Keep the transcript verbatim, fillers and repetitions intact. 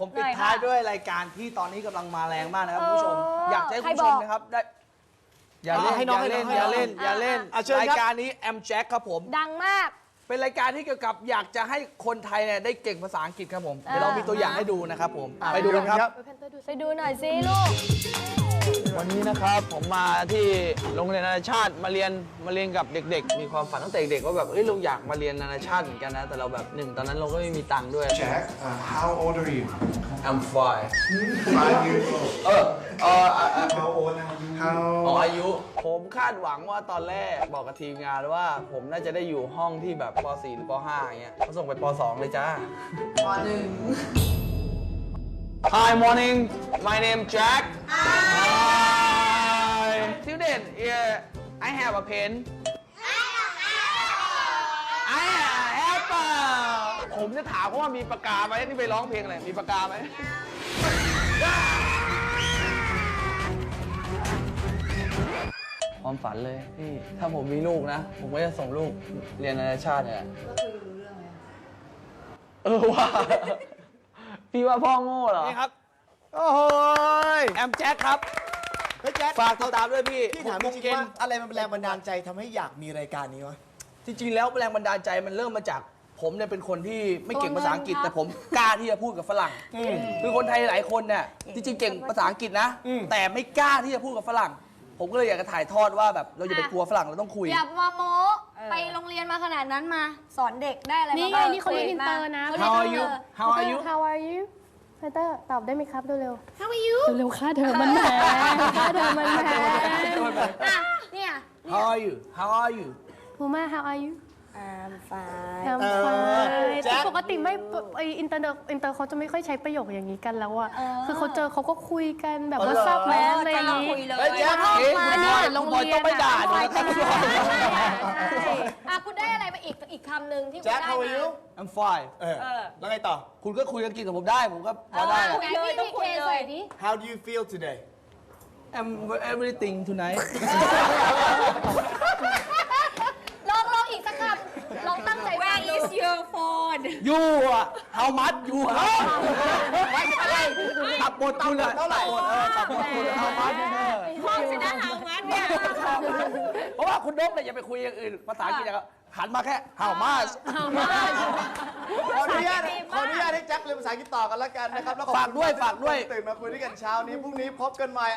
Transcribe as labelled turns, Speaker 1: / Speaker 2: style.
Speaker 1: ผมปิดท้ายด้วยรายการที่ตอนนี้กำลังมาแรงมากนะครับคุณผู้ชมอยากให้คุณผู้ชมนะครับได้อย่าเล่นอย่าเล่นอย่าเล่นอย่าเล่นรายการนี้แอมแจ็คครับผม
Speaker 2: ดังมาก
Speaker 1: เป็นรายการที่เกี่ยวกับอยากจะให้คนไทยเนี่ยได้เก่งภาษาอังกฤษครับผมเดี๋ยวเรามีตัวอย่างให้ดูนะครับผมไปดูกันครับ
Speaker 2: ไปดูหน่อยสิลูก
Speaker 1: วันนี้นะครับผมมาที่โรงเรียนนานาชาติมาเรียนมาเรียนกับเด็กๆมีความฝันตั้งแต่เด็กว่าแบบเอ้ยเราอยากมาเรียนนานาชาติเหมือนกันนะแต่เราแบบหนึ่งตอนนั้นเราก็ไม่มีตังค์ด้วย
Speaker 3: Jack uh, how old are you
Speaker 1: I'm five
Speaker 3: five years old
Speaker 1: เออเออ
Speaker 3: how old are you how
Speaker 1: อ๋ออายุผมคาดหวังว่าตอนแรกบอกกับทีมงานว่าผมน่าจะได้อยู่ห้องที่แบบป .สี่ หรือป .ห้า อย่างเงี้ยเขาส่งไปป .สอง เลยจ้าป .หนึ่งHi morning my name Jack Hi student yeah I have a pen I have a ผมจะถามเขาว่ามีปากกาไหมนี่ไปร้องเพลงอะไรมีปากกาไหมความฝันเลยพี่ถ้าผมมีลูกนะผมก็จะส่งลูกเรียนนานาชาติเนี่ยก็คุยรู้เรื่องไหมเออว่าพี่ว่าพ่อโง่เหรอนี่ครับโอ้โหแอมแจ็คครับ
Speaker 4: เฮ้ยแจ็ค
Speaker 1: ฝากติดตามด้วยพี่
Speaker 4: พี่ถามจริงๆว่าอะไรมันเป็นแรงบันดาลใจทำให้อยากมีรายการนี้วะ
Speaker 1: จริงๆแล้วแรงบันดาลใจมันเริ่มมาจากผมเนี่ยเป็นคนที่ไม่เก่งภาษาอังกฤษแต่ผมกล้าที่จะพูดกับฝรั่งคือคนไทยหลายคนเนี่ยจริงๆเก่งภาษาอังกฤษนะแต่ไม่กล้าที่จะพูดกับฝรั่งผมก็เลยอยากจะถ่ายทอดว่าแบบเราอย่าไปกลัวฝรั่งเราต้องคุย
Speaker 2: อย่ามาโม้ไปโรงเรียนมาขนาดนั้นมาสอนเด็กได้อะไร
Speaker 5: นี่ไงนี่เขาเรียนอินเตอร์นะ
Speaker 1: How are you How are you
Speaker 5: How are you พีเตอร์ตอบได้ไหมครับเร็ว
Speaker 2: ๆ How are you
Speaker 5: เร็วๆค่าเธอมันแพงค่าเธอมันแพง
Speaker 2: อ่ะเนี่ย
Speaker 1: How are you How are you
Speaker 5: ภูมา How are you
Speaker 2: I'm fine
Speaker 5: I'm fine ปกติไม่ไออินเตอร์อินเตอร์เขาจะไม่ค่อยใช้ประโยคอย่างนี้กันแล้วอะคือเขาเจอเขาก็คุยกันแบบว่าซับแมสอะไรอย่างนี้
Speaker 1: เฮ้ยแจ๊คอันนี้โรงเรียนต้องไปด่าดิ
Speaker 2: อ่ะคุณได้อะไรมาอีกอีกคำหนึ่งที่คุณได้มา
Speaker 4: How are you
Speaker 1: I'm fine
Speaker 4: เออแล้วไงต่อ
Speaker 1: คุณก็คุยกันกินกับผมได้ผมก็พอได้
Speaker 2: คุยเลยต้องคุยเลย
Speaker 4: How do you feel today
Speaker 1: I'm everything tonight
Speaker 2: ลองลองอีกสักคำลองตั้งใจ Where is your phone
Speaker 1: you อะ how much you ฮะไม่ใช่ตับบทคุณอะเท่าไหร่ตับบทคุณ how much
Speaker 2: ห้องชนะ how much เนี่ย
Speaker 1: เพราะว่าคุณนกเนี่ยอย่าไปคุยอย่างอื่นภาษาอังกฤษอย่างหันมาแค่ how much
Speaker 4: ขออนุญาตขออนุญาตให้แจ็คเรียนภาษาอังกฤษต่อกันแล้วกันนะครับแล้วขอบคุณ
Speaker 1: ฝากด้วยฝากด้วย
Speaker 4: ตื่นมาคุยด้วยกันเช้านี้พรุ่งนี้พบกันใหม่